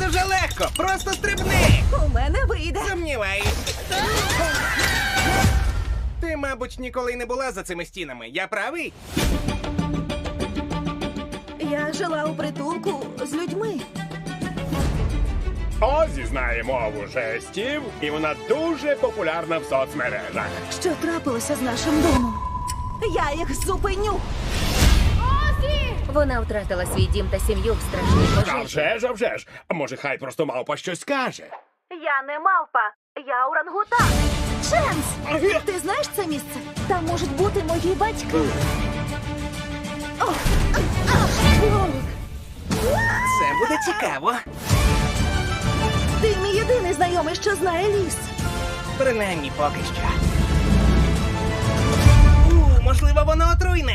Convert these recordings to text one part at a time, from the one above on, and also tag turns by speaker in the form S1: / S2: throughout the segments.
S1: дуже легко. Просто стрибни.
S2: У мене вийде.
S1: Сумніваюсь. Ти, мабуть, ніколи не була за цими стінами. Я правий?
S2: Я жила у притулку з людьми.
S3: Озі знає мову жестів, і вона дуже популярна в соцмережах.
S2: Що трапилося з нашим домом? Я їх зупиню.
S4: Вона втратила свій дім та сім'ю в страшній
S3: А
S4: пожежі.
S3: вже ж, а вже ж. А може, хай просто мавпа щось скаже.
S2: Я не мавпа, я орангутан. Ченс! Ти знаєш це місце? Там можуть бути мої батьки. О,
S1: Це буде цікаво.
S2: Ти мій єдиний знайомий, що знає ліс.
S1: Принаймні поки що. Можливо, воно отруйне.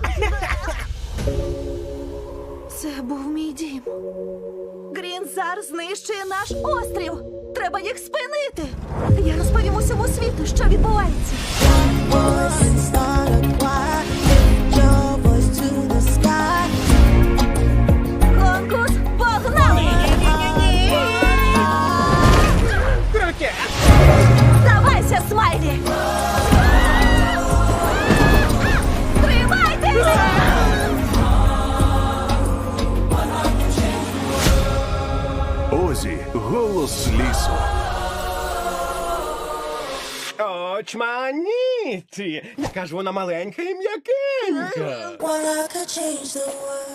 S2: Це був мій дім. Грінзар знищує наш острів. Треба їх спинити. Я розповім усьому світу, що відбувається.
S5: Voice and start a choir. Lift your voice to the sky.
S2: Конкурс погнали!
S1: Крутя.
S2: Здавайся, Смайлі! Тримайтеся!
S6: Озі, голос лісу.
S3: Очманіті! Яка ж вона маленька і м'якенька.
S5: Well, I could change the world.